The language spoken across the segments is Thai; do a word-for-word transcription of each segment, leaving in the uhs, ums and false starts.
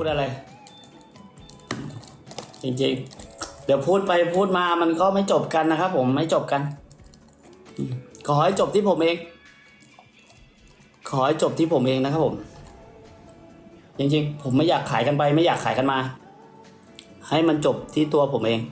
พูดอะไรจริงๆเดี๋ยวพูดไปพูดมามันก็ไม่จบกันนะครับผมไม่จบกันขอให้จบที่ผมเองขอให้จบที่ผมเองนะครับผมจริงๆผมไม่อยากขายกันไปไม่อยากขายกันมาให้มันจบที่ตัวผมเอง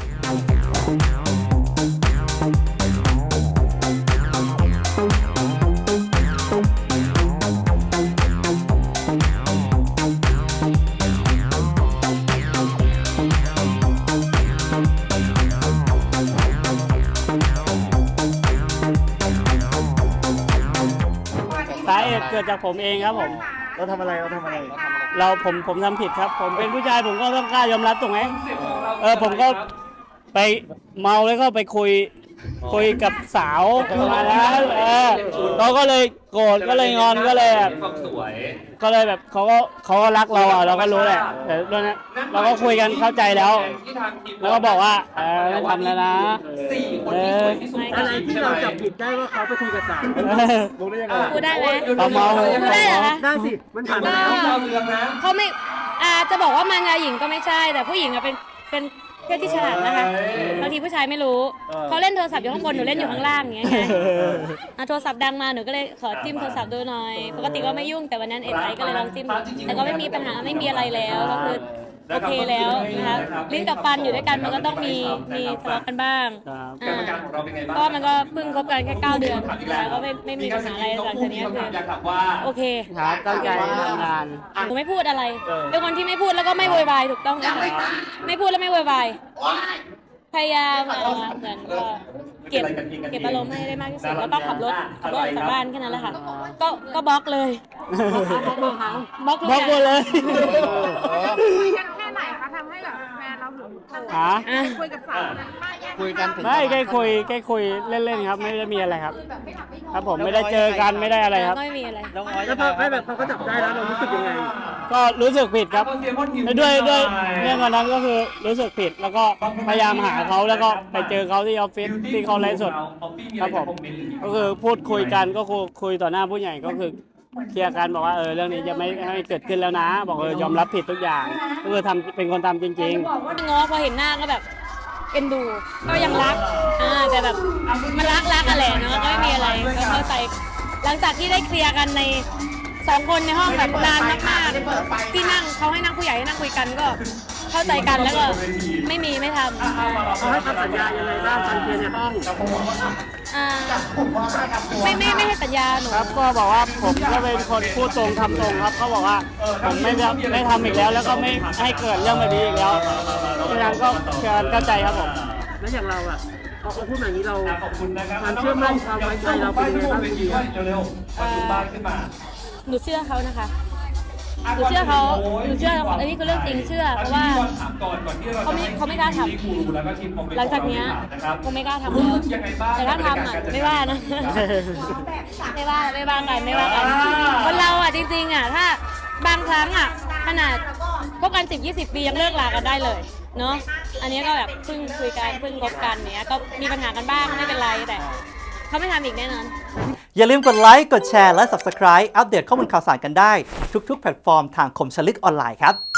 สาเหตุเกิดจากผมเองครับผมเราทำอะไรเราทำอะไรเราผมผมทำผิดครับผมเป็นผู้ชายผมก็ต้องกล้ายอมรับถูกไหมเออผมก็ไปเมาแล้วก็ไปคุยคุยกับสาวประมาณนั้นเออเขาก็เลยโกรธก็เลยงอนก็เลยแบบก็เลยแบบเขาก็เขาก็รักเราอ่ะเราก็รู้แหละแต่ตอนนั้นเราก็คุยกันเข้าใจแล้วแล้วก็บอกว่าเออไม่ทำแล้วนะเอออะไรที่เราจับผิดได้ว่าเขาไปคุยกับสาวรู้ได้ยังไงพูดได้ไหมเราเมาพูดได้เหรอคะได้สิมันผ่านมาแล้วเขาไม่อ่าจะบอกว่ามารยาหญิงก็ไม่ใช่แต่ผู้หญิงอะเป็นเป็นเพศที่ฉลาดนะคะบางทีผู้ชายไม่รู้เขาเล่นโทรศัพท์อยู่ข้างบนหนูเล่นอยู่ข้างล่างอย่างเงี้ยไงอ่ะโทรศัพท์ดังมาหนูก็เลยขอจิ้มโทรศัพท์ดูหน่อยปกติก็ไม่ยุ่งแต่วันนั้นเอ็นไอก็เลยลองจิ้มแต่ก็ไม่มีปัญหาไม่มีอะไรแล้วก็คือโอเคแล้วนะคะลิ้นกับฟันอยู่ด้วยกันมันก็ต้องมีมีทะเลาะกันบ้างอ่าเพราะมันก็เพิ่งคบกันแค่เก้าเดือนแล้วก็ไม่ไม่มีปัญหาอะไรหลังจากนี้คือโอเคครับตั้งใจทำงานหนูไม่พูดอะไรเป็นคนที่ไม่พูดแล้วก็ไม่โวยวายถูกต้องไหมไม่พูดแล้วไม่โวยวายพยายามเหมือนก็เก็บเก็บอารมณ์ให้ได้มากที่สุดแล้วก็ขับรถขับรถออกจากบ้านแค่นั้นแหละค่ะก็ก็บล็อกเลยบล็อกบล็อกหมดเลยคุยกันแค่ไหนคะทำให้แบบแฟนเราถึงโกรธฮะคุยกับสาวนั้นมากคุยกันถึงไม่แค่คุยแค่คุยเล่นๆครับไม่ได้มีอะไรครับ ครับผมไม่ได้เจอกันไม่ได้อะไรครับก็ไม่มีอะไรแล้วพอให้แบบเขาก็จับได้แล้วเรารู้สึกยังไงก็รู้สึกผิดครับด้วยด้วยเรื่องวันนั้นก็คือรู้สึกผิดแล้วก็พยายามหาเขาแล้วก็ไปเจอเขาที่ออฟฟิศที่เขาไลฟ์สดครับผมก็คือพูดคุยกันก็คุยคุยต่อหน้าผู้ใหญ่ก็คือเคลียร์กันบอกว่าเออเรื่องนี้จะไม่ให้เกิดขึ้นแล้วนะ บอกเออยอมรับผิดทุกอย่างก็คือทำเป็นคนทำจริงง้อพอเห็นหน้าก็แบบเอ็นดูก็ยังรักอ่าแต่แบบมันรักรักกันแหละเนาะก็ไม่มีอะไรก็เข้าใจหลังจากที่ได้เคลียร์กันในสองคนในห้องแบบนานมากๆที่นั่งเขาให้นั่งผู้ใหญ่ให้นั่งคุยกันก็เข้าใจกันแล้วก็ไม่มีไม่ทำเขาให้คำสัญญายังไงบ้างการเคลียร์ในห้องอ่าไม่ไม่ไม่ให้สัญญาหนูๆ ครับก็บอกว่าผมก็เป็นคนพูดตรงทำตรงครับเขาบอกว่าผมไม่ไม่ทำอีกแล้ว แล้วก็ไม่ให้เกิดเรื่องแบบนี้อีกแล้วฉะนั้นก็เชิญเข้าใจครับผมแล้วอย่างเราอ่ะพอเขาพูดแบบนี้เราความเชื่อมั่นความไว้ใจเราเป็นยังไงบ้างพี่เดียหนูเชื่อเขานะคะหนูเชื่อเขาหนูเชื่ออันนี้คือเรื่องจริงเชื่อเพราะว่าเขาไม่เขาไม่กล้าทำหลังจากเนี้ยคงไม่กล้าทำแล้วแต่ถ้าทำอ่ะไม่ว่านะไม่ว่าไม่ว่ากันไม่ว่ากันคนเราอ่ะจริงๆอ่ะถ้าบางครั้งอ่ะขนาดคบกันสิบยี่สิบปียังเลิกลากันได้เลยเนาะอันนี้ก็แบบเพิ่งคุยกันเพิ่งคบกันเนี้ยก็มีปัญหากันบ้างไม่เป็นไรแต่เขาไม่ทำอีกแน่นอนอย่าลืมกดไลค์ กดแชร์ และ Subscribe อัปเดตข้อมูลข่าวสารกันได้ทุกๆแพลตฟอร์มทางคมชลึกออนไลน์ครับ